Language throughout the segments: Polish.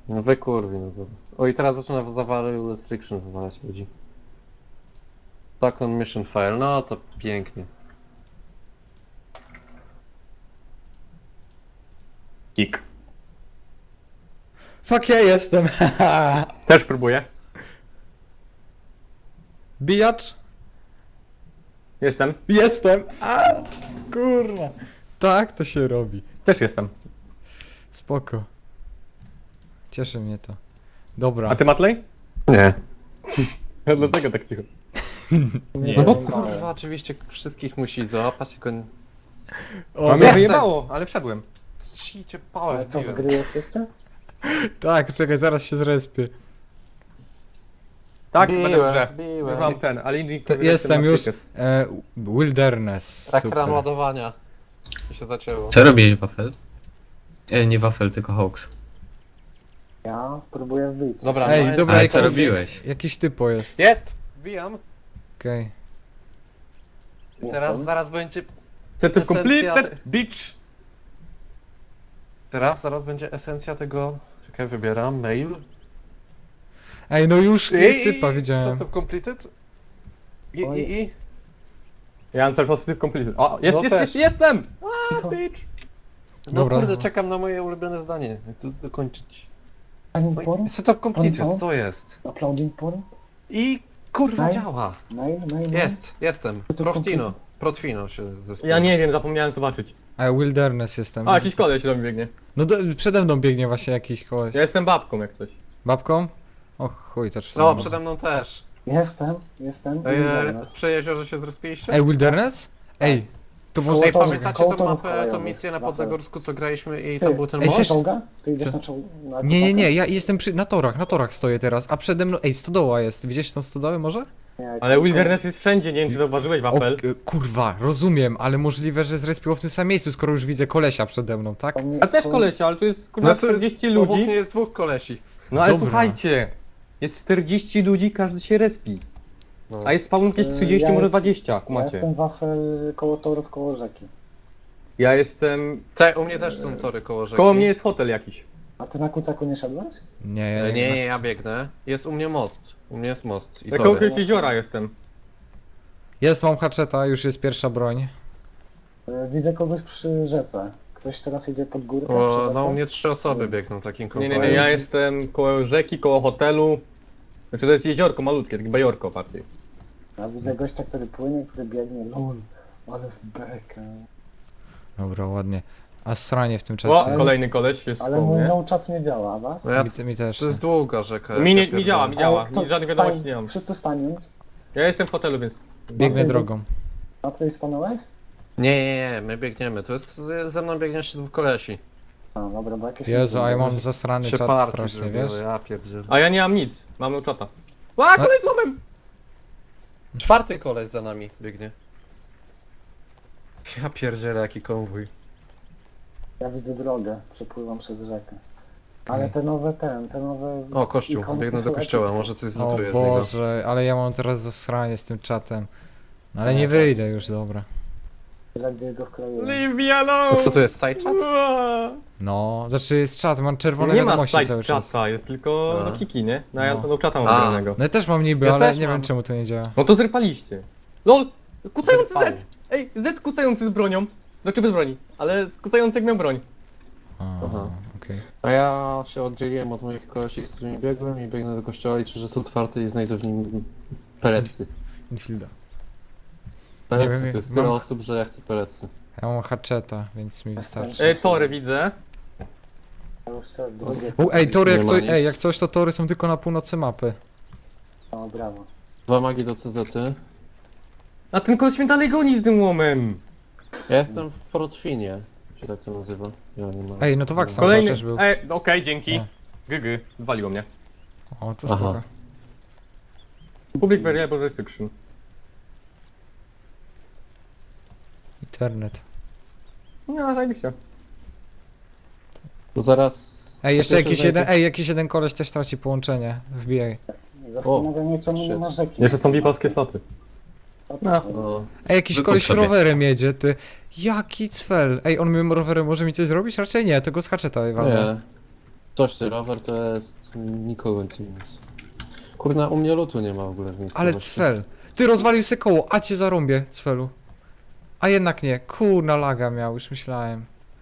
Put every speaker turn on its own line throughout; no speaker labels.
No wy kurwi, no zaraz. O i teraz zaczyna zawary restriction wywalać ludzi. Tak on mission file, no to pięknie.
Kik.
Fuck, ja jestem.
Też próbuję.
Bijacz?
Jestem.
Jestem. A, kurwa. Tak to się robi.
Też jestem.
Spoko. Cieszy mnie to. Dobra.
A ty, Matlej?
Nie.
Ja dlatego tak cicho.
Nie.
No bo kurwa, oczywiście wszystkich musi załapać, tylko...
O,
A mnie
dobra.
wyjebało, ale wszedłem.
Sicie pałę
Ale co, w
wbiłem.
gry jesteście?
Tak, czekaj, zaraz się zrespię.
Tak,
Wbiłem,
będę w grze.
wbiłem.
Już mam ten, ale inny
Jestem już. Wilderness.
Ekran
Super.
ładowania. I się zacięło.
Co robi wafel? Nie wafel, tylko Hawks.
Ja próbuję wbić.
Dobra,
Ej,
no,
dobra,
Ale
jak
co robiłeś?
Jakiś typo jest.
Jest! Wbijam.
Okej.
Teraz zaraz będzie...
Set
Esencja-
completed, bitch!
Zaraz będzie esencja tego... Czekaj, wybieram. Mail.
Ej, no już typa widziałem.
Setup completed.
Oj.
I.
Ja mam cały czas set completed. O, jest,
No
jest,
też.
jest, jestem! A, bitch!
No
Dobra.
kurde, czekam na moje ulubione zdanie. Jak to dokończyć.
Uploading porn?
Oj, setup completed,
Porn,
co jest?
Uploading porn?
I kurwa
Mail?
działa.
Mail?
Jestem.
Setup
Profino się zespół.
Ja nie wiem, zapomniałem zobaczyć.
A Wilderness jestem.
A, jakiś koleś do mnie biegnie.
No przede mną biegnie właśnie jakiś koleś.
Ja jestem babką jak coś.
Babką? O chuj, też.
No, przede mną też.
Jestem.
Przy jeziorze się zrespiliście?
Ej, Wilderness? Ej, to może...
Ej,
Koło
pamiętacie
koło
tą
torów
mapę, tą
kolejowych.
misję na
Wafel.
Podlegorsku, co graliśmy i
Ty,
tam był ten
ej,
Ty
most?
czołga? Ty idziesz
Co?
na czołg?
Nie, ja jestem na torach stoję teraz, a przede mną... Ej, stodoła jest, widziałeś tą stodołę może?
Ale Wilderness jest wszędzie, nie wiem czy zauważyłeś, wafel.
Kurwa, rozumiem, ale możliwe, że zrespiło w tym samym miejscu, skoro już widzę kolesia przede mną, tak?
A też kolesia, ale tu jest kurwa 40
Obok
ludzi.
mnie jest dwóch kolesi.
No ale
Dobra.
słuchajcie, jest 40 ludzi, każdy się respi.
No.
A jest spawn jakieś 30,
Ja-
może 20,
Ja
kumacie.
jestem wafel koło torów, koło rzeki.
Ja jestem...
U mnie też są tory koło rzeki.
Koło mnie jest hotel jakiś.
A ty na kucaku nie szedłeś?
Nie, ja biegnę. Jest u mnie most. U mnie jest most. I
Ja koło
tory.
jakiegoś jeziora jestem.
Jest, mam haczeta, już jest pierwsza broń.
Widzę kogoś przy rzece. Ktoś teraz idzie pod górkę
O,
przy
no
rzece?
u mnie 3 osoby biegną takim
Nie,
konwojem.
nie, nie, ja jestem koło rzeki, koło hotelu. Znaczy to jest jeziorko malutkie, takie bajorko bardziej.
Ja widzę gościa, który płynie, który biegnie. Lol, ale w bekę.
Dobra, ładnie. A sranie w tym
O,
czasie.
kolejny koleś jest
Ale
koło
mój
mnie.
no chat nie działa, a was?
No ja,
Mi też.
to jest długa rzeka.
Mi,
ja
nie,
pierdolę.
mi działa, mi działa.
kto-
Żadnych
stań-
wiadomości nie mam.
Wszyscy staniemy.
Ja jestem w hotelu, więc...
Biegnę
Ty-
drogą.
A ty stanąłeś?
Nie, my biegniemy. Tu jest ze mną biegnie jeszcze dwóch kolesi.
A, dobra, bo jakieś...
Jezu, a ja mam zasrany
Się
czat
party
strasznie,
zrobiły,
wiesz?
ja pierdzielę.
A ja nie mam nic, mam no czata. A, kolej z łomem!
Czwarty koleś za nami biegnie. Ja pierdzielę, jaki konwój.
Ja widzę drogę, przepływam przez rzekę. Ale te nowe, te nowe...
O, kościół.
ikonki
Biegnę do
są
kościoła,
epickie.
może coś
O
zlutuję z niego.
Boże, ale ja mam teraz zasranie z tym czatem. No, ale
No,
nie
tak.
wyjdę już, dobra.
Tyle gdzieś go wkroiłem.
Leave me alone!
A co to jest, side chat?
No, znaczy jest czat, mam czerwone
Nie ma
wiadomości
side
cały czas.
chata, jest tylko
A.
no kiki, nie? No ja
No.
no czata mam
A.
wybranego.
No ja też mam niby,
Ja
ale
też
nie
mam.
wiem czemu to nie działa.
No to zrypaliście. LOL! Kucający
Zrypałem.
Z! Ej, Z kucający z bronią. Znaczy bez broni, ale kucający jak miał broń.
Aha.
Okej.
A ja się oddzieliłem od moich kolesi, z którymi biegłem i biegnę do kościoła, liczę, że jest otwarty i znajdę w nim perecy.
Infielda.
Perecy,
wiem,
to jest
mam-
tyle osób, że ja chcę perecy.
Ja mam haczeta, więc mi wystarczy.
Tory widzę.
Ja już te drugie...
Ej, tory
Nie
jak
ma
coś,
nic.
ej, jak coś to tory są tylko na północy mapy.
O, brawo.
2 magi do CZ-y.
A ten koleś mnie dalej goni z tym łomem.
Ja jestem w Portfinie, się tak to nazywa. Ja nie mam.
Ej, no to Waxan
Kolejny.
też był.
Okej, dzięki.
O.
GG, zwaliło mnie.
O, to
Aha.
spoko.
Public Variable Restriction.
Internet.
No, zajebiście.
To zaraz...
Ej, jeszcze
po pierwsze
jakiś jeden,
znajdę-
jakiś jeden koleś też traci połączenie. Wbijaj.
Zastanawiam mnie, czemu nie
shit.
ma rzeki.
Jeszcze są VIP-owskie sloty.
O co
No.
chodzi?
No.
Ej, jakiś
Wykup
koleś
sobie.
rowerem jedzie, ty. Jaki cfel. Ej, on moim rowerem może mi coś zrobić? Raczej nie, to go z haczeta walnę.
Nie. Coś ty, rower to jest nikogo nic. Kurna, u mnie lutu nie ma w ogóle w
Ale
miejscowości.
Cfel. Ty rozwalił se koło, a cię zarąbię, Cfelu. A jednak nie, kurna laga miał, już myślałem.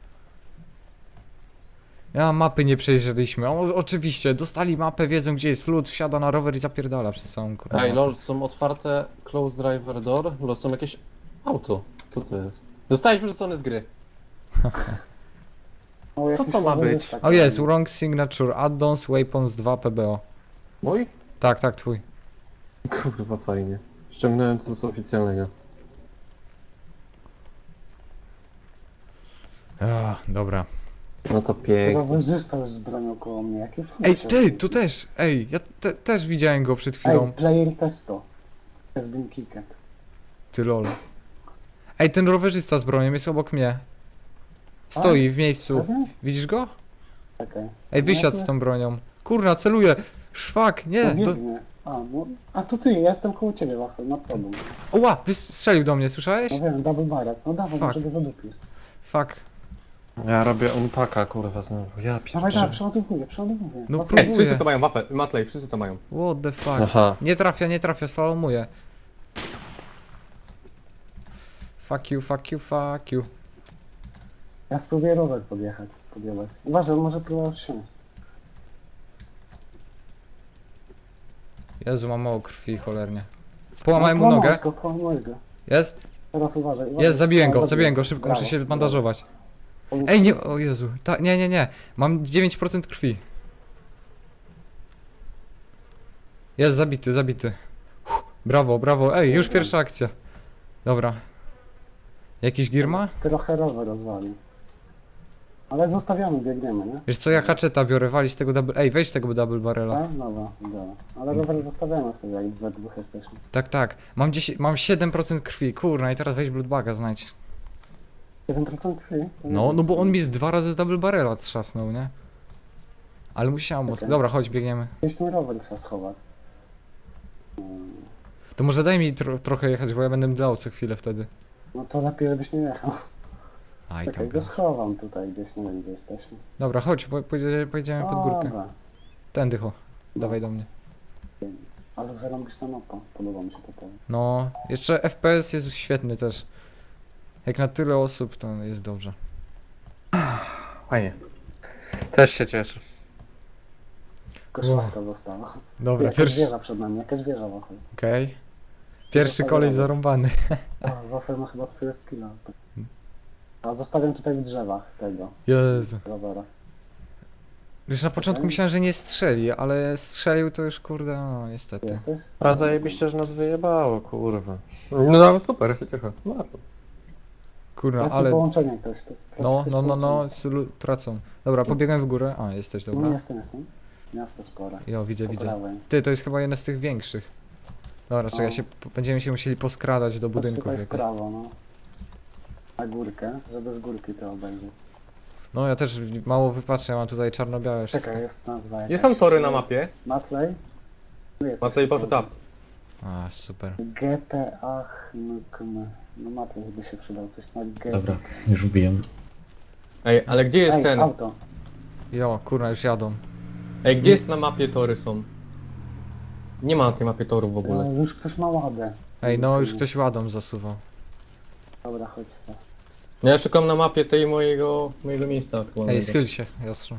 Ja mapy nie przejrzeliśmy. Oczywiście, dostali mapę, wiedzą gdzie jest lód, wsiada na rower i zapierdala przez całą kurwa.
Ej,
mapę.
lol, są otwarte close driver door, lol, są jakieś auto. Co to jest? Zostałeś wyrzucony z gry.
O,
Co
jakiś
to ma
rowerzysta
być?
O jest,
kolejny.
wrong signature, addons, weapons 2 PBO.
Mój?
Tak, tak, twój.
Kurwa, fajnie. Ściągnąłem to z oficjalnego.
Dobra.
No to pięknie.
Rowerzysta już z bronią koło mnie, jakie fucie.
Ej, ty, tu też, ej, ja też widziałem go przed
Ej,
chwilą.
player testo. Has been kicked.
Ty lol. Ej, ten rowerzysta z bronią jest obok mnie. Stoi w miejscu.
Serio?
Widzisz go?
Czekaj.
Ej, wysiadł z tą bronią. Kurna, celuje. Szwak,
To
nie.
biegnie. A to ty, ja jestem koło ciebie, Wafel, na tobą.
Oła, wystrzelił do mnie, słyszałeś?
No wiem, double barrel. No dawaj,
Fuck.
może go zadupisz.
Fuck.
Ja robię unpacka, kurwa, znowu. Ja
Dawaj,
pierdolę.
dawaj, przeładowuję.
No
Wafel,
Ej, wszyscy
próbuję.
to mają, wafel, Matlej, wszyscy to mają.
What the fuck.
Aha.
Nie trafia, slalomuje. Fuck you, fuck you, fuck you.
Ja spróbuję rower podjechać. Uważaj, on może próbować wsiąść.
Jezu, mam mało krwi, cholernie. Połamałem mu nogę.
Połamaj go.
Jest?
Teraz uważaj.
Jest, zabiłem
O,
go, szybko,
Brawo,
muszę się
brawo.
bandażować.
On-
Ej, nie, o Jezu, nie, mam 9% krwi. Jest zabity. Brawo, ej, już pierwsza akcja. Dobra. Jakiś gir ma?
Trochę rower rozwalił. Ale zostawiamy, biegniemy, nie?
Wiesz co, ja haczeta biorę, walić tego double... Ej, weź tego double barrela.
Tak? Dobra. Ale rower zostawiamy wtedy, jak we dwóch jesteśmy.
Tak, mam 7% krwi, kurna, i teraz weź bloodbaga znajdź.
7% krwi? To nie
No
jest-
bo on mi z 2 razy z double barrela trzasnął, nie? Ale musiałem mózg.
Okej.
Dobra, chodź, biegniemy.
Gdzieś ten rower trzeba schować.
To może daj mi trochę jechać, bo ja będę mdlał co chwilę wtedy.
No to lepiej, żebyś nie jechał.
Aj,
Czekaj,
tam
go schowam tutaj gdzieś, nie wiem gdzie jesteśmy.
Dobra, chodź, pojedziemy pod górkę.
Dobra.
Tędy, dawaj do mnie.
Ale zarąbista mapa, podoba mi się to powiem.
No, jeszcze FPS jest świetny też. Jak na tyle osób, to jest dobrze.
Fajnie. Też się cieszę.
Koszmarka została.
Dobra,
Jakaś
pierwszy...
wieża przed nami, jakaś wieża wafel.
Okej. Pierwszy koleś zarąbany.
A, wafel ma chyba first killa. A zostawiam tutaj w drzewach tego
Jezu.
rowera.
Już na początku
Okej.
myślałem, że nie strzeli, ale strzelił to już kurde, no niestety.
Jesteś?
A zajebiście, że nas wyjebało, kurwa.
No super, ja się cieszę.
No to.
Kurwa,
Traci
ale...
połączenie ktoś. Traci
No,
ktoś
no,
połączenie.
tracą. Dobra, pobiegłem w górę. A, jesteś,
No
dobra.
jestem. Miasto spore.
Jo, widzę.
Po prawej.
Ty, to jest chyba jeden z tych większych. Dobra, czekaj, będziemy się musieli poskradać do
Chodź
budynków
tutaj w
jakoś.
prawo, no. Na górkę, żeby z górki to obejrzeć.
No, ja też mało wypatrzę, ja mam tutaj czarno-białe wszystko.
Czekaj, jest nazwa jakaś.
Nie są tory na mapie.
Matley? Tu jest
Matley
coś
poszedł up.
A, super.
GTA HNKM. No Matley by się przydał, coś na GTA.
Dobra, już wbijam.
Ej, ale gdzie jest
Ej,
ten?
auto.
Jo, kurna, już jadą.
Ej, gdzie jest na mapie tory są? Nie ma na tej mapie torów w ogóle.
Już ktoś ma ładę.
Ej, no już ktoś ładą zasuwał.
Dobra, chodź.
No ja szukam na mapie tej mojego miejsca
Ej,
aktualnego.
schyl się, jastrzu.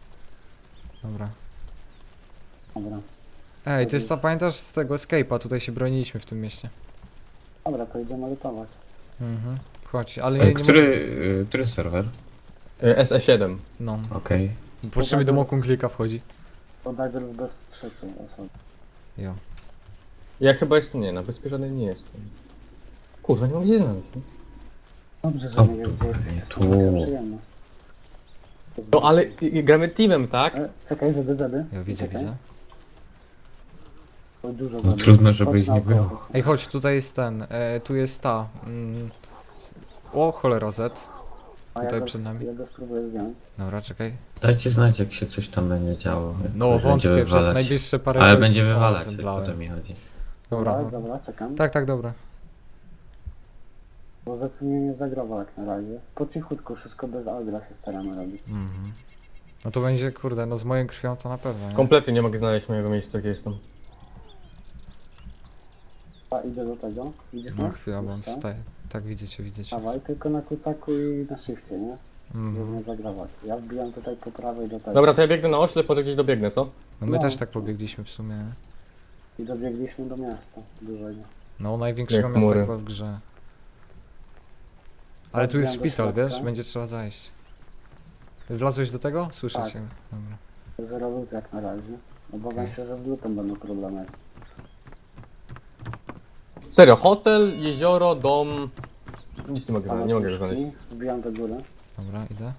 Dobra.
Dobra.
Ej, to jest ta, pamiętasz z tego Escape'a, tutaj się broniliśmy w tym mieście.
Dobra, to idziemy lutować.
Mhm. Chodź, ale nie
Który serwer?
SE7.
No,
Okej.
patrzymy do Mokun klika wchodzi.
To Divers bez trzeciej osoby.
Jo.
Ja chyba jestem, nie, na wyspie żadnej nie jestem. Kurwa, nie mam gdzie znaleźć. nie?
Dobrze, że
O,
nie wiem gdzie jesteś, to jest
tu.
taka przyjemność.
No ale gramy teamem, tak?
Czekaj, zedy.
Ja widzę,
Czekaj.
widzę.
To dużo
No
zedy.
trudno, żeby
Chodź
ich nie
naokoło.
było.
Ej, chodź, tutaj jest ten, tu jest ta. O, cholera Z.
A
Tutaj
ja
przed nami.
Ja go spróbuję zdjąć.
Dobra, czekaj.
Dajcie znać, jak się coś tam będzie działo. jak
No,
ktoś będzie
wątpię, przez
wywalać.
najbliższe parę
Ale
godzin-
będzie
O,
wywalać, o
zemdlałem.
to mi chodzi.
Dobra.
Dobra, czekam.
Tak, dobra.
Bo Zed mnie nie zagrował jak na razie. Po cichutku, wszystko bez agra się staramy robić.
Mhm. No to będzie, kurde, no z moją krwią to na pewno, nie?
Kompletnie nie mogę znaleźć mojego miejsca, gdzie jestem.
A idę do tego. Widzisz
No
mnie?
chwila, bo on
Już, tak?
wstaje. Tak, widzę cię, widzę cię.
Dawaj, tylko na kucaku i na shifcie, nie? Żeby
Mhm.
nie zagrawać. Ja wbijam tutaj po prawej do tego.
Dobra, to ja biegnę na oślep, może gdzieś dobiegnę, co?
No my
No.
też tak pobiegliśmy w sumie, nie?
I dobiegliśmy do miasta dużego.
No największego
Jak
miasta
chmury.
chyba w grze. Ale tu jest
Wbijam do
szpital,
środka.
wiesz? Będzie trzeba zajść. Wlazłeś do tego? Słyszę
Tak.
cię. Dobra.
Zero loot jak na razie. Obawiam
Okej.
się, że z lootem będą problemy.
Serio, hotel, jezioro, dom... Nic nie mogę znaleźć, nie mogę go znaleźć.
Wbijam do góry.
Dobra, idę.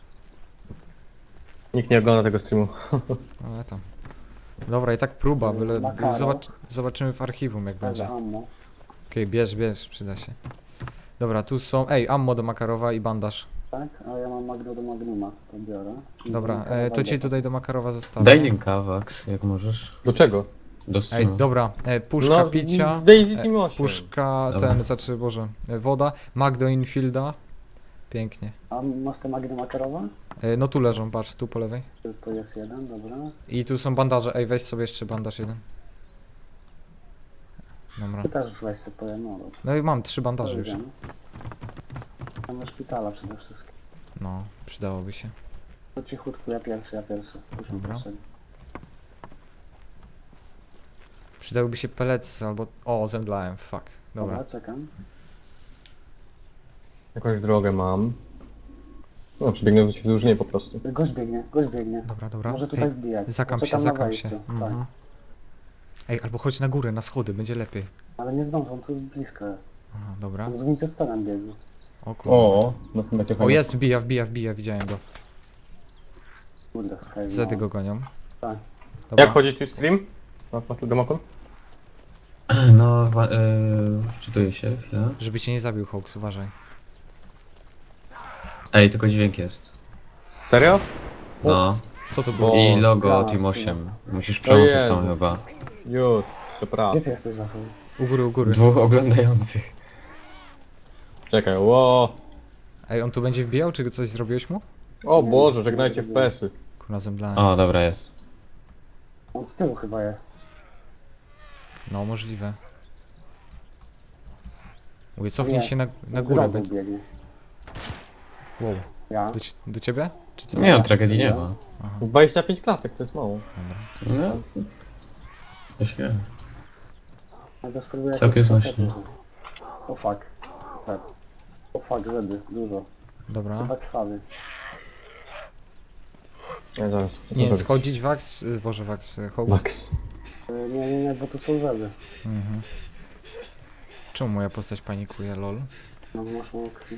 Nikt nie ogląda tego streamu.
Ale tam. Dobra, i tak próba, byle...
Makaro.
Zobaczymy w archiwum jak
Bez
będzie.
ammo.
Okej, bierz, przyda się. Dobra, tu są... Ej, ammo do Makarowa i bandaż.
Tak? A ja mam Magno do Magnuma. To biorę. I
Dobra,
do Makarowa
to ci
idę.
tutaj do Makarowa zostawię.
Daj linka, Vax, jak możesz.
Do czego?
Do
Ej,
streamu.
dobra, puszka picia.
Daisy Team 8.
Puszka,
Dobra.
znaczy, Boże, woda, Magdo Infielda. Pięknie.
A masz te Magno Makarowa?
No tu leżą, patrz, tu po lewej.
To jest jeden, dobra.
I tu są bandaże, ej, weź sobie jeszcze bandaż jeden. Dobra.
Ty też weź sobie powiem, no dobra.
No i mam 3 bandaże
To
już.
idziemy. Tam do szpitala przede wszystkim.
No, przydałoby się.
To cichutku, ja pierwszy. Puśćmy
Dobra.
pierwszego.
Przydałyby się pelletsy albo... O, zemdlałem, fuck. Dobra.
Czekam.
Jakąś drogę mam. No, przebiegnę się wzdłuż niej po prostu.
Gość biegnie.
Dobra.
Może tutaj
Ej,
wbijać.
zakam się,
Poczekam na
zakam
wejściu,
się.
Tak.
Mhm. Ej, albo chodź na górę, na schody, będzie lepiej.
Ale nie zdążą, tu blisko jest.
Aha, dobra.
On z Winchesterem biegnie.
O kurde.
O, no to macie
O,
fajnie.
jest, wbija, widziałem go.
Kurde, hej,
Zedy go gonią.
Tak.
Dobra.
Jak chodzi tu stream? Na tego mapu?
No, wczytuję się, chwilę.
Żeby cię nie zabił Hawks, uważaj.
Ej, tylko dźwięk jest.
Serio?
No.
Co to było?
O,
I logo
ja,
Team 8. Musisz
O
przełączyć
Jezu.
tam chyba.
Już, przepraszam.
Gdzie ty jesteś, Rafał?
U góry.
Dwóch oglądających.
Czekaj, ło.
Ej, on tu będzie wbijał, czy coś zrobiłeś mu?
O Boże, żegnajcie FPS-y.
Kurna, zemdlałem.
O, dobra, jest.
On z tyłu chyba jest.
No, możliwe. Mówię, cofnij
Nie,
się na
Na
górę.
drogę
Będzie...
biegnie.
Wow.
Ja.
Do ciebie? Czy co?
Nie, no, tragedii nie ma.
Aha,
25 klatek, to jest mało.
dobra.
No. To się...
Ja go spróbuję
Całkiem
jakoś
znośnie.
skoczyć. O fuck. Tak. O fuck, Zedy. Dużo.
Dobra.
Chyba krwawy.
Ja zaraz
Nie,
zrobić.
schodzić Wax, Boże Wax, Hawks.
Max.
Nie, bo tu są Zedy.
Mhm. Czemu moja postać panikuje, lol?
No bo masz mało krwi.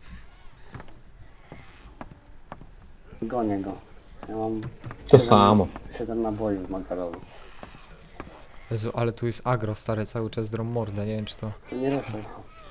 Gonię go. Ja mam
To samo.
7 naboi w Makarowie.
Jezu, ale tu jest agro, stary, cały czas drą mordę, nie wiem czy to...
Nie ruszaj się.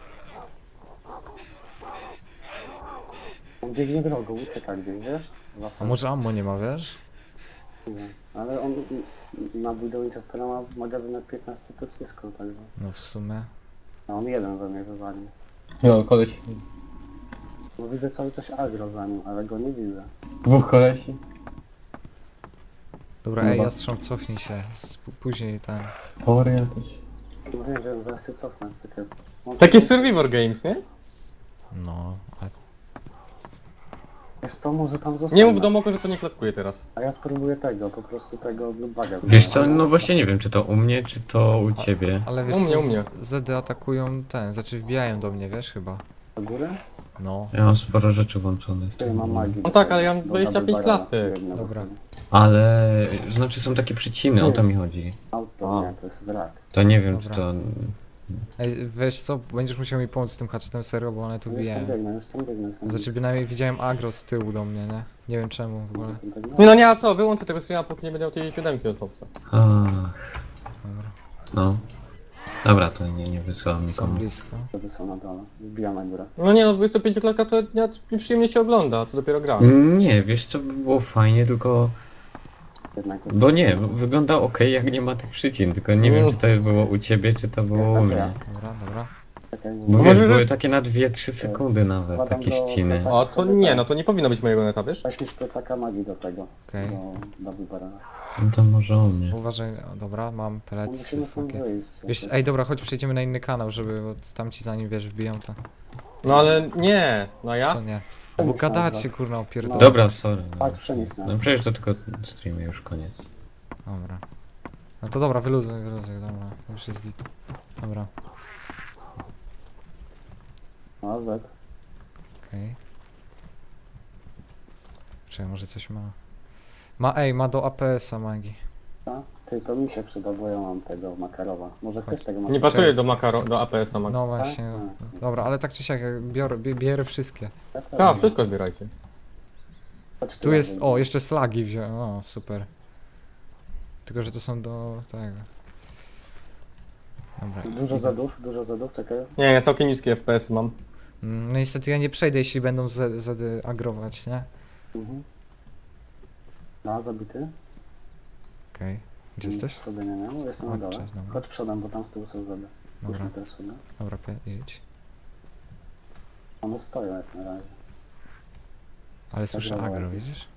On biegnie drogą, ucieka gdzieś, wiesz?
A może ammo nie ma, wiesz?
Nie. Ale on na do Winchestera ma magazynek 15 pocisków, także.
No w sumie...
A on jeden we mnie wywalił.
No, koleś.
Bo widzę cały czas agro za nim, ale go nie widzę.
Dwóch kolesi.
Dobra,
Dobra.
ej, Jastrząb, cofnij się, później ten...
Pory jakoś.
No wiem, zaraz się cofnę. Czekaj. Mam
Takie
tutaj-
Survivor Games, nie?
No, ale...
Wiesz co, może tam zostać.
Nie mów do Moko, że to nie klatkuje teraz.
A ja spróbuję tego, po prostu tego baga.
Wiesz co, no właśnie nie wiem, czy to u mnie, czy to u ciebie.
Ale wiesz
U mnie,
co,
u mnie.
Zedy atakują ten, znaczy wbijają do mnie, wiesz chyba.
Do góry?
No.
Ja mam sporo rzeczy włączonych.
Ty, mam magii.
No tak, ale ja mam
Do
25
double barrela
klatek.
biegnę do
Dobra.
przodu.
Ale, znaczy są takie przyciny, o to mi chodzi.
Auto,
A.
nie, to jest wrak.
To nie wiem, czy
Dobra.
to...
Ej, weź co, będziesz musiał mi pomóc z tym hatchetem serio, bo one tu
Już tam
wbijają.
biegnę, jestem
Znaczy bynajmniej widziałem agro z tyłu do mnie, nie? Nie wiem czemu w ogóle.
Nie no nie, a co? Wyłączę tego streama, póki nie będę miał tej 7 od Hopsa.
Ach,
Dobra.
no. Dobra, to nie wysyłam
Są
nikomu.
blisko.
Wtedy są na dole. Wbijam na górę.
No nie no, 25 klatka to nieprzyjemnie się ogląda, a co dopiero gra.
Nie, wiesz co, by było fajnie, tylko...
Jednak
Bo nie, wygląda ok, jak nie ma tych przycin, tylko nie wiem, czy to było u ciebie, czy to było u
Jestem
mnie.
ja.
Dobra, dobra.
Czekaj,
Bo
może
wiesz, były
jest-
takie na 2-3 sekundy nawet,
Wkładam
takie
do
ściny.
plecaka.
O, to nie, no to nie powinno być mojego neta, wiesz?
Weź mi z plecaka magii do tego.
Okej.
Do wybora.
No to może u mnie.
Uważaj, o, dobra, mam
No
pelecy,
musimy stąd
fucking.
wyjść.
Wiesz, ej, dobra, chodź przejdziemy na inny kanał, żeby, bo tamci zanim, wiesz, wbiją to.
No ale nie, no ja?
Co nie? Bo gadacie, kurna, opierdolę.
Dobra, sorry.
Chodź, przenieś na.
No przecież to tylko streamy, już koniec.
Dobra. No to dobra, wyluzuj, dobra, już jest git. Dobra,
No, Z.
okej. Czekaj, może coś ma... ma do APS-a magii.
A? Ty, to mi się przyda, bo ja mam tego Makarowa. Może chcesz tego
Nie
Makarowa?
pasuje do do APS-a, Mac.
No właśnie, dobra, ale tak czy siak, bierę wszystkie.
Tak, wszystko zbierajcie.
Chodź
Tu jest,
razem.
o, jeszcze slagi wziąłem, o, super. Tylko, że to są do tego. Dobra.
Dużo zadów, czekaj.
Nie, ja całkiem niskie FPS mam.
No niestety ja nie przejdę, jeśli będą agrować, nie?
Mhm. No, zabity.
Okej. Gdzie
Nic
jesteś?
sobie nie miał, jestem na
Chodź,
dole.
cześć, dobra.
Chodź przodem, bo tam z tyłu są zady.
Dobra,
Puśćmy też sobie.
dobra, idź.
One stoją jak na razie.
Ale słyszę
Agro
agro,
ładnie.
widzisz?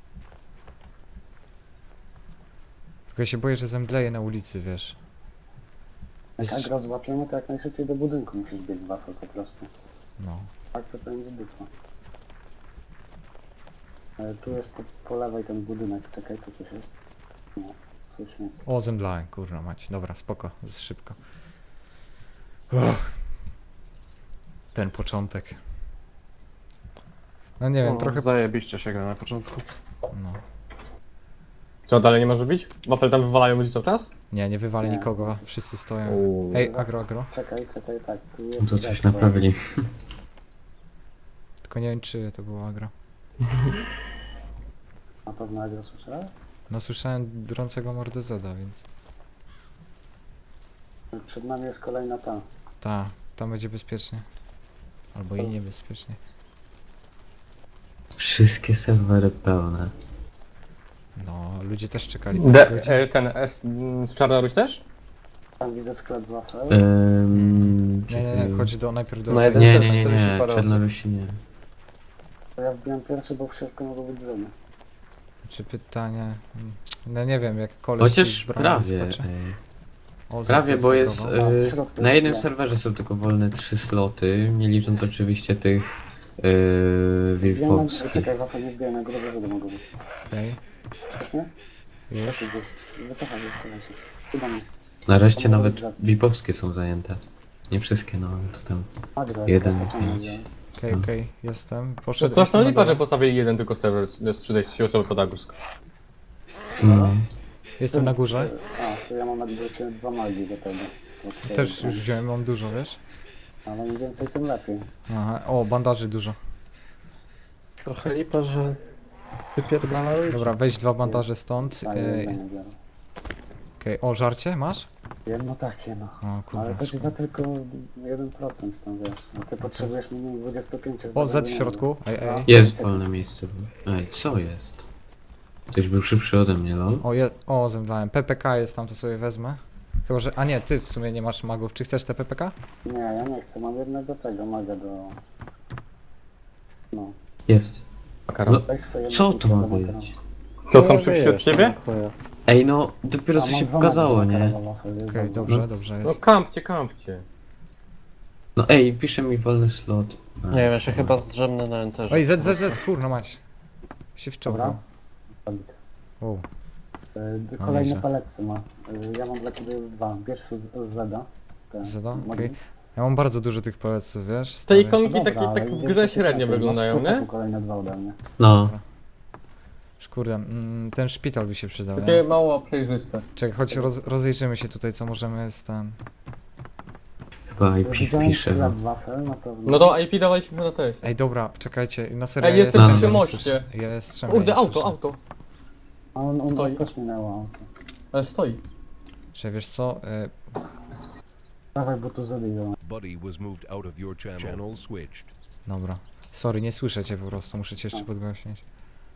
Tylko ja się boję, że zemdleję na ulicy, wiesz.
Jak
Jest-
agro złapiemy, to jak najszybciej do budynku musisz biec wafel po prostu.
No.
Tak to będzie bitwa. Tu jest po lewej ten budynek, czekaj, tu coś jest. Nie, coś nie.
O, zemdlałem, kurna mać. Dobra, spoko, szybko. Uff. Ten początek. No nie wiem,
No,
trochę...
zajebiście się gra na początku.
No.
Co, dalej nie może być? Wafel tam wywalają ludzi cały czas?
Nie wywalę
Nie.
nikogo, wszyscy stoją.
Uuu.
Ej, agro.
Czekaj, tak, tu jest...
No to coś
Z, bo-
naprawili.
Tylko nie wiem, czy to było agro.
Na pewno agro słyszałeś?
No słyszałem drącego mordę Zeda, więc...
Przed nami jest kolejna ta.
Tam będzie bezpiecznie. Albo i niebezpiecznie.
Wszystkie serwery pełne.
No, ludzie też czekali.
Ten z Czarnoruś też?
Tam widzę sklep wafel.
Nie, chodź najpierw do...
Na jeden
Nie,
serwer
nie,
40
nie,
parę osób.
Czarnorusi nie.
To ja wbiłem pierwszy, bo w środku mogło być zemy.
Czy pytanie... No nie wiem, jak koleś ci
Chociaż
z bramy
prawie.
wyskoczy. O,
Prawie, bo jest...
zagrował.
A, w środku
Na
jest
jednym
sklep.
serwerze są tylko wolne 3 sloty, nie licząc oczywiście tych
Wbiłem na...
wilkowskich.
Czekaj, wafel nie wbiłem na górę, zedy mogą być.
Okej.
Słyszysz mnie?
Już.
Lepiej gdzieś. Wycofaj się. Chyba mnie.
Nareszcie
To mogą
nawet
być za-
VIP-owskie są zajęte. Nie wszystkie, no ale to tam.
Agro jest
Jeden,
zasaczony,
pięć.
gdzie-
Okej, jestem.
To
Poszedł.
straszna
jestem
lipa,
na
że
dole.
postawili jeden tylko serwer, z 30 osoby pod Agursk.
No.
Jestem na górze.
A, to ja mam na górze 2 magii do tego. To
Też już wziąłem, mam dużo, wiesz?
Ale im więcej, tym lepiej.
Aha, o, bandaży dużo.
Trochę lipa, że wypierdala ludzi.
Dobra, weź 2 bandaże stąd.
A, jedzenie biorę.
Okej, o, żarcie masz?
Jedno takie, no.
O,
Ale
kurwa.
to ci da tylko 1% tam, wiesz. A ty potrzebujesz minimum 25.
O, Z w środku. Ej.
Jest wolne miejsce. Ej, co jest? Ktoś był szybszy ode mnie, lol.
O, zemdlałem. PPK jest tam, to sobie wezmę. Chyba, że... A nie, ty w sumie nie masz magów. Czy chcesz te PPK?
Nie, ja nie chcę, mam jednego tego maga do... No.
Jest.
Makaron.
No,
Weź sobie
co
jednego
to ma
makaronu.
być?
Co, są szybsi od
wiesz,
ciebie?
no, chuja.
Ej, no, dopiero
A,
co
mam
się
2
pokazało,
magi do
nie?
makaronu, wafel, jest
Okej,
dobrze.
dobrze
No
jest.
kampcie.
No ej, pisze mi wolny slot. A,
Nie wiem, ja się chyba zdrzemnę na enterze.
Oj, Z, kurno mać. Się wciągał. O,
Kolejne
nieźle.
palece ma. Ja mam dla ciebie już 2. Bierz z Zeda. te
Zeda?
magi.
Okej. Ja mam bardzo dużo tych paleców, wiesz?
Te
stary.
ikonki
No dobra,
takie
ale
tak w
idziesz
grze
do
średnio
tysiąca,
wyglądają,
masz w
nie?
kucaku kolejne 2 ode mnie.
No,
Kurde, ten szpital by się przydał,
Takie
nie?
mało przejrzyste.
Czekaj, choć rozejrzymy się tutaj, co możemy z tam...
chyba IP
Widziałem
pisze.
sklep
No.
wafel na pewno.
No to IP dawaliśmy na też.
Ej, dobra, czekajcie, na serio.
Ej,
ja
jesteś
jestem-
przy
nie
moście.
słyszę. Ja jestem.
Kurde, auto.
A on
Stoi.
nas też minęło auto.
Ale stoi.
Czy wiesz co?
Dawaj, bo tu zabiją.
Buddy was moved out of your channel switched.
Dobra. Sorry, nie słyszę cię po prostu, muszę cię jeszcze podgłośnić.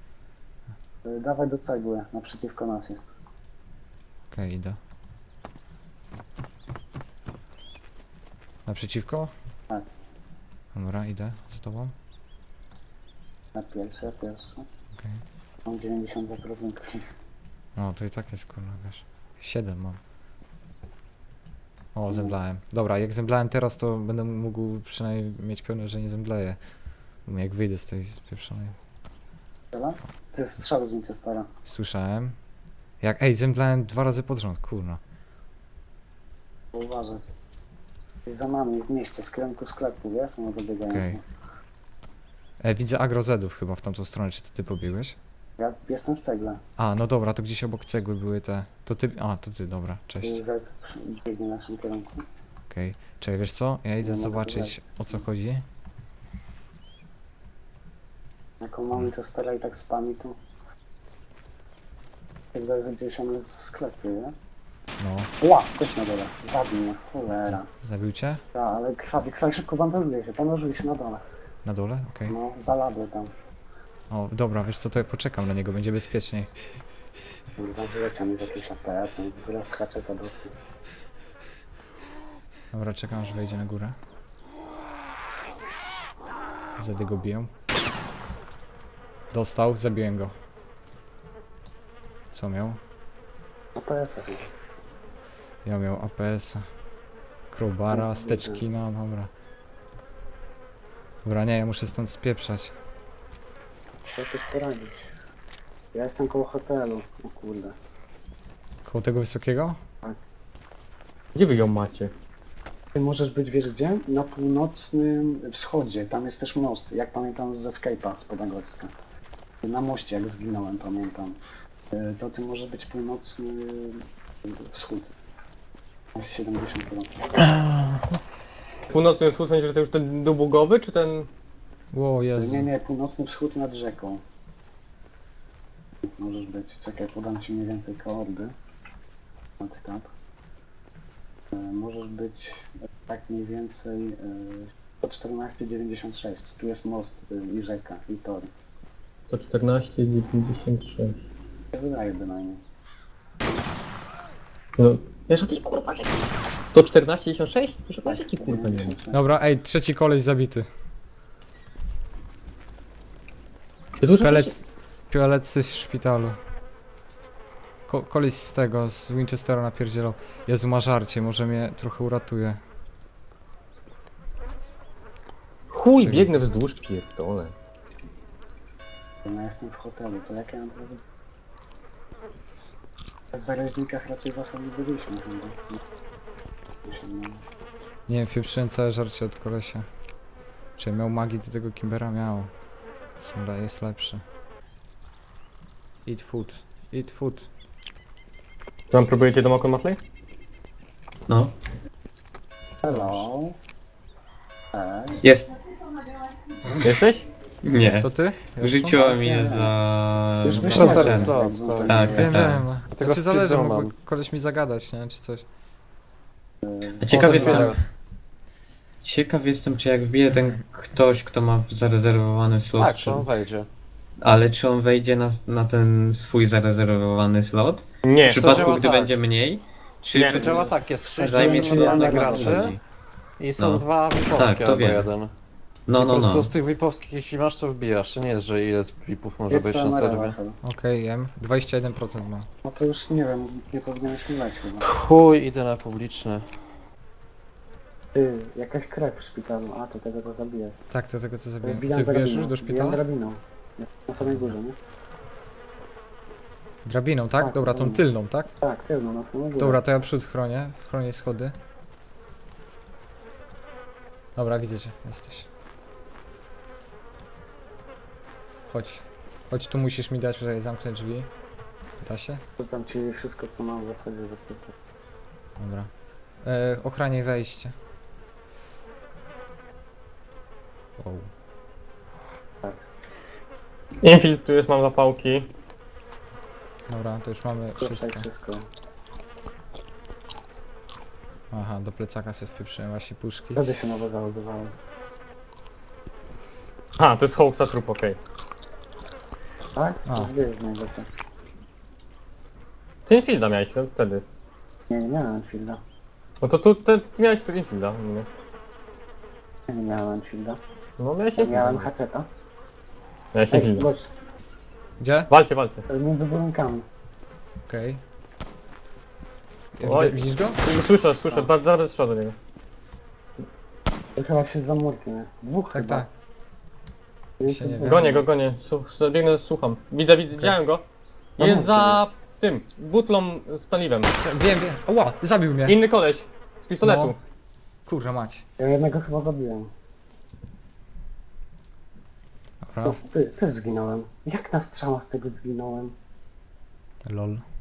Dawaj do cegły, naprzeciwko nas jest.
Okej, idę. Naprzeciwko?
Tak.
Dobra, idę za tobą.
Ja pierwszy.
Okej.
Mam 92%.
No, to i tak jest kurwa, wiesz. 7 mam. O, zemdlałem. Dobra, jak zemdlałem teraz, to będę mógł przynajmniej mieć pewność, że nie zemdleję. Bo jak wyjdę z tej pieprzonej.
Strzela? To jest strzał z Winchestera.
Słyszałem. Ej, zemdlałem 2 razy pod rząd, kurna.
Uważaj. Jest za nami w mieście, z kierunku sklepu, wiesz? No dobiegają.
Okej. Widzę agrozedów chyba w tamtą stronę, czy to ty pobiegłeś?
Ja jestem w cegle.
A, no dobra, to gdzieś obok cegły były te... To ty... A, to ty, dobra, cześć.
Z biegnie w naszym kierunku.
Okej. Czekaj, wiesz co? Ja idę
Nie mogę
zobaczyć, o co chodzi.
Jaką mam Winchestera i tak spami, to... Wydaje, że gdzieś on jest w sklepie, nie?
No,
Ła! Też na dole. Zabił mnie. Cholera.
zabił cię?
Tak, ale krwawi, szybko bandażuje się na dole.
Na dole? Okej.
No, zalabły tam.
O, dobra, wiesz co, to ja poczekam na niego, będzie bezpieczniej.
Kurwa, wyleciał mi z jakimś APS-em. Zaraz skacze to dostał.
Dobra, czekam aż wejdzie na górę. Zedy go biją. Dostał, zabiłem go. Co miał?
APS-a chyba.
Ja miał APS-a. Crowbara, steczki, no dobra. Dobra, nie, ja muszę stąd spieprzać.
Co tu poradzić? Ja jestem koło hotelu. O kurde.
Koło tego wysokiego?
Gdzie wy ją macie?
Ty możesz być, wiesz gdzie? Na północnym wschodzie. Tam jest też most. Jak pamiętam z Escape'a z Podagorska. Na moście jak zginąłem, pamiętam. To ty może być północny wschód. 70%.
Północny wschód, w sensie, że to już ten długowy, czy ten...
Ło, Jezu.
Nie, północny wschód nad rzeką. Możesz być. Czekaj, podam ci mniej więcej koordy. Tab. Możesz być tak mniej więcej 114,96. Tu jest most i rzeka i tor.
To 14,96.
Ja wydaje bynajmniej.
No, wiesz, o tej kurwa, 114,96? Proszę pana, jaki kurwa nie ma.
Dobra, ej, trzeci koleś zabity.
Ty dużo
Pielecy w szpitalu. Koleś z tego, z Winchestera napierdzielał. Jezu, ma żarcie, może mnie trochę uratuje.
Chuj, biegnę wzdłuż, pierdolę.
Ja jestem w hotelu, to jak ja mam teraz... W Bereźnikach raczej wasza nie byliśmy chyba.
Nie wiem, pieprzyłem całe żarcie od kolesia. Czy miał magii do tego Kimbera? Miał. Jest lepszy. Eat food. Eat food.
Co tam próbujecie do Mokon Matley?
No,
Hello.
jest.
Jesteś?
Nie.
To ty?
Wrzuciła mnie za...
Już
Proszę,
myślałem,
slot,
że
slot.
Tak,
Wiem,
tak.
wiem.
Tego
Czy zależy,
wpisu
mógłby
mam.
koleś mi zagadać, nie? Czy coś.
Ciekaw
O,
jestem,
zabiorę.
ciekaw jestem, czy jak wbije ten ktoś, kto ma zarezerwowany slot,
Tak,
czy...
to on wejdzie.
ale czy on wejdzie na ten swój zarezerwowany slot?
Nie.
W przypadku,
działa
gdy
tak.
będzie mniej? Czy
Nie,
To działa tak, jest 6
zajmie się
normalnych
jednego
graczy i są
No.
2
Tak,
VIP-owskie
to
albo
wiem.
jeden.
No,
I
no,
po prostu
no.
z tych VIP-owskich, jeśli masz, to wbijasz. To nie jest, że ile z VIP-ów może
Jest
być na
to
serwie.
Rachel.
Okej, jem. 21% mam.
No to już nie wiem, nie powinieneś leć chyba.
Chuj, idę na publiczny.
Ty, jakaś krew w szpitalu. A, to tego co zabijesz.
Tak, to tego co zabiję.
Wbijam
Ty wbijesz
drabiną.
już do
Wbijam
szpitala?
drabiną. Jest na samej górze, nie?
Drabiną, tak?
Tak,
Dobra, tą
drabiną.
tylną, tak?
Tak, tylno, na samej górze.
Dobra, to ja przód chronię. Chronię schody. Dobra, widzę cię. Jesteś. Chodź. Chodź, tu musisz mi dać, żeby zamknąć drzwi. Da się?
Rzucam ci wszystko co mam w zasadzie do pleców.
Dobra. Ochraniaj wejście. Wow.
Tak.
Infiltrujesz, mam zapałki.
Dobra, to już mamy
Rzucaj
wszystko.
wszystko.
Aha, do plecaka sobie wpieprzyłem właśnie puszki.
Wtedy się nowo załadowało.
A, to jest Hawksa trup, okej.
Tak?
A.
To gdzie jest najlepsze?
Ty Infielda miałeś wtedy.
Nie miałem Fielda.
No to tu ty miałeś tu Infielda. Nie.
Ja nie miałem shielda.
No ja się
Ja miałem haczeta.
Ja się
Ej,
dziwię.
gość,
Gdzie?
Walcie, walcie.
między budynkami.
Okej.
Oj.
Widzisz go?
Słyszę, bardzo zaraz strzał do niego.
To chyba się za murkiem jest. Dwóch
Tak,
chyba.
tak.
Między
Się nie
budynkami.
Gonię. Biegnę, słucham. Widzę, widziałem go.
Na
Jest
murcie
za tym, butlą z paliwem.
Wiem. Ła, zabił mnie.
Inny koleś, z pistoletu.
No. Kurwa mać.
Ja jednego chyba zabiłem.
Dobra.
No, ty zginąłem. Jak na strzała z tego zginąłem?
Lol.